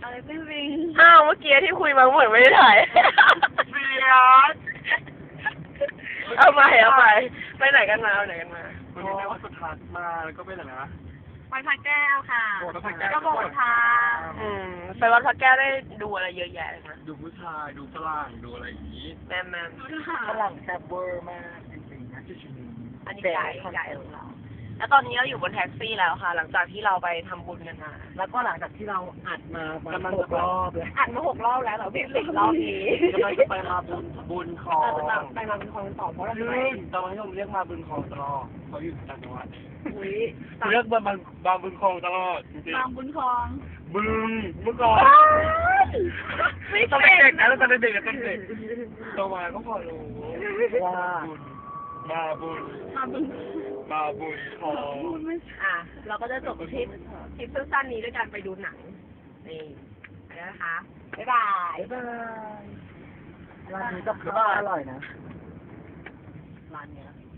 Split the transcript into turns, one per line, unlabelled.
อะไรไม่วิง
อ้าวเมื่อกี้ที่คุยมาเหมือนไม่ได้ถ่าย
เบียด
เอาไปไปไหนกันมาเอาไหนกันมา
วันนี้ได้วัดสุทัศน์มาแล้วก็ไปไหนนะ
ไปพระแก้วค่ะ
โบสถ์พระแก้ว
ก็โบสถ์ทาง
ไปวัดพระแก้วได้ดูอะไรเยอะแยะเลยนะ
ดูผู้ชายดูฝรั่งดูอะไรอย่างนี้
แม่แม่
ฝรั่งแซ่บเวอร์มากจริงๆนะที่ชิม
อันนี้ไก่ของเรา แล้วตอนนี้เราอยู่บนแท็กซี่แล้วค่ะ หลังจากที่เราไปทำบุญกันมา
แล้วก็หลังจากที่เราอัดมากำลังจะรอบเลย
อัดมา6 รอบแล้วเหรอพี่10 รอบนี้
กำลังจะไปมาบุญคลอง
ไปมาเป็นคลอง2เพราะเราจะไป
ตอนนี้ผมเรียกมาบุญคลองตลอดเขาอยู่ต่างจังหวัด
อุ้ย
เรียกบางบุญคลองตลอดจริง
บางบุญคลอง
ๆบึงเมื่อก่อน
ไม่
ตอน
เป็
เด็
น
กๆนะตอนเด็กๆตอนเด็กโตมาก็พอรู้ว่ามาบุญ
มาบุญ
มาบุญคลอง
อ่ะ เราก็จะจบทริปสั้นๆนี้ด้วยการไปดูหนัง นี่ไปแล้วนะคะ บ๊ายบาย
ร้านนี้กับข้าวอร่อยนะ
ร้านเนี้ย